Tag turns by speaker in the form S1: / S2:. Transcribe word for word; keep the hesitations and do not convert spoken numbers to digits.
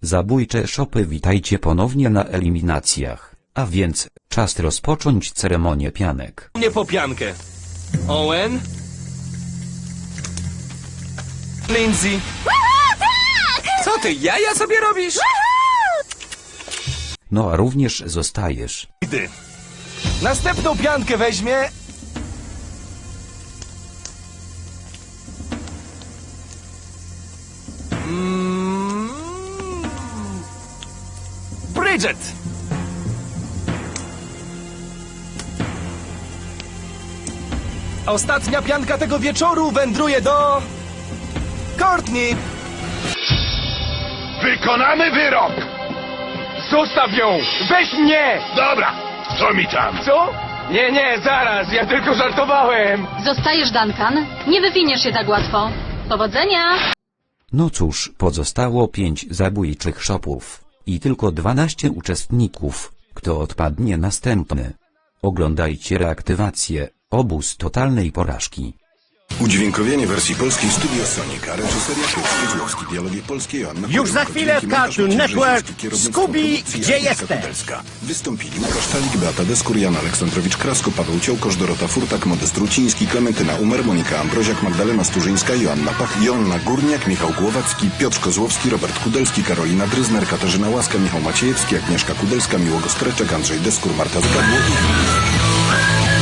S1: Zabójcze szopy, witajcie ponownie na eliminacjach, a więc czas rozpocząć ceremonię pianek.
S2: Nie po piankę. Owen? Lindsay? Co ty, jaja sobie robisz?
S1: No a również zostajesz.
S2: Ty. Następną piankę weźmie... Mm... Bridget! Ostatnia pianka tego wieczoru wędruje do... Courtney!
S3: Wykonamy wyrok!
S2: Zostaw ją! Weź mnie!
S3: Dobra, co mi tam?
S2: Co? Nie, nie, zaraz, ja tylko żartowałem!
S4: Zostajesz, Duncan. Nie wywiniesz się tak łatwo. Powodzenia!
S1: No cóż, pozostało pięć zabójczych szopów i tylko dwanaście uczestników. Kto odpadnie następny? Oglądajcie reaktywację, obóz totalnej porażki.
S5: Udźwiękowienie wersji polskiej Studio Sonika, reżyseria Piotr Skiedłowski, dialogi polskie Joanna
S6: Już za chwilę w Cartoon Network. Scooby, gdzie jesteś?
S5: Wystąpili Łukasz Talik, Beata Deskur, Jan Aleksandrowicz-Krasko, Paweł Ciołkosz, Dorota Furtak, Modest Ruciński, Klementyna Umer, Monika Ambroziak, Magdalena Sturzyńska, Joanna Pach, Joanna Górniak, Michał Głowacki, Piotr Kozłowski, Robert Kudelski, Karolina Dryzner, Katarzyna Łaska, Michał Maciejewski, Agnieszka Kudelska, Miłogo Streczek, Andrzej Deskur, Marta Zgadło i inni.